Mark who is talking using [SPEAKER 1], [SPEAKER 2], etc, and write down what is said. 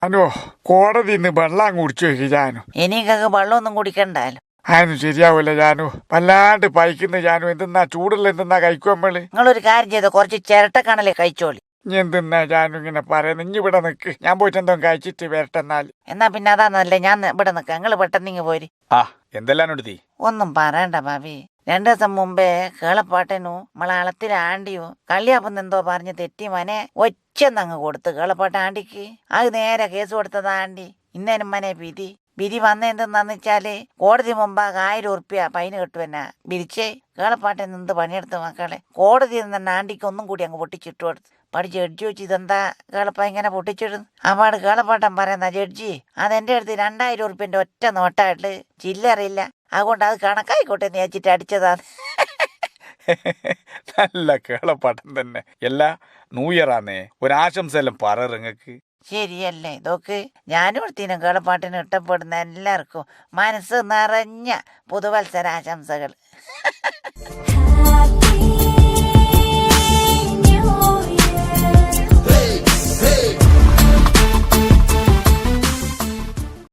[SPEAKER 1] അനു കോടതി ഇന്ന് വെള്ളം കുടിച്ചു വെക്ക് ജാനു.
[SPEAKER 2] എനിക്കൊക്കെ വെള്ളമൊന്നും കുടിക്കണ്ടല്ലോ.
[SPEAKER 1] അതിന് ശരിയാവൂല ജാനു, വല്ലാണ്ട് പൈക്കുന്ന ജാനു. എന്തെന്നാ ചൂടുള്ള എന്തെന്നാ കഴിക്കുമ്പള്?
[SPEAKER 2] നിങ്ങളൊരു കാര്യം ചെയ്തോ, കുറച്ച് ചിരട്ടക്കണല്ലേ കഴിച്ചോളി.
[SPEAKER 1] ഇനി എന്തെന്നാ ജാനു ഇങ്ങനെ പറയുന്നത്? ഇനി ഇവിടെ നിക്ക്, ഞാൻ പോയിട്ട് എന്തോ കഴിച്ചിട്ട് വരട്ടെന്നാൽ.
[SPEAKER 2] എന്നാ പിന്നെ അതാ നല്ലേ, ഞാൻ ഇവിടെ നിൽക്കാം, നിങ്ങൾ പെട്ടെന്ന് ഇങ്ങ് പോര്.
[SPEAKER 3] ആ എന്തെല്ലാം എടുത്തി?
[SPEAKER 2] ഒന്നും പറയണ്ട ഭാവി. 2 ദിവസം മുമ്പേ കേളപ്പാട്ടനു മലയാളത്തിൽ ആണ്ടിയോ കള്ളിയാപ്പം എന്തോ പറഞ്ഞ് തെറ്റി മനെ ഒച്ചന്നങ്ങ് കൊടുത്ത് കേളപ്പാട്ട ആണ്ടിക്ക്. അത് നേരെ കേസ് കൊടുത്തതാ ആണ്ടി. ഇന്നേനും മനെ വിധി വന്നെന്തെന്നു വെച്ചാല് കോടതി മുമ്പാകെ 1000 ഉറുപ്പ്യ ഫൈന് കെട്ടുവെന്നാ വിരിച്ചേ. കേളപ്പാട്ടൻ എന്ത് പണിയെടുത്ത് മക്കളെ, കോടതിയിൽ നിന്ന് തന്നെ ആണ്ടിക്ക് ഒന്നും കൂടി അങ്ങ് പൊട്ടിച്ചിട്ടു കൊടുത്തു. ജഡ്ജി വെച്ച് ഇതെന്താ കേളപ്പ ഇങ്ങനെ പൊട്ടിച്ചിടുന്നു? അപ്പാട് കേളപ്പാട്ടൻ പറയുന്ന, ജഡ്ജി അതെന്റെ അടുത്ത് 2000 ഉറുപ്പ്യന്റെ ഒറ്റ നോട്ടായിട്ട് ചില്ലറിയില്ല, അതുകൊണ്ട് അത് കണക്കായിക്കോട്ടെ എന്ന് വെച്ചിട്ട് അടിച്ചതാണ്.
[SPEAKER 3] നല്ല കേളപ്പാട്ടം തന്നെ. എല്ലാ ന്യൂ ഇയർ ആന്നേ, ഒരാശംസയെല്ലാം പറ നിങ്ങൾക്ക്.
[SPEAKER 2] ശരിയല്ലേ ഇതൊക്കെ? ഞാനും എടുത്തിനും കേളപ്പാട്ടിന് ഇഷ്ടപ്പെടുന്ന എല്ലാവർക്കും മനസ്സ് നിറഞ്ഞ പുതുവത്സരാശംസകൾ.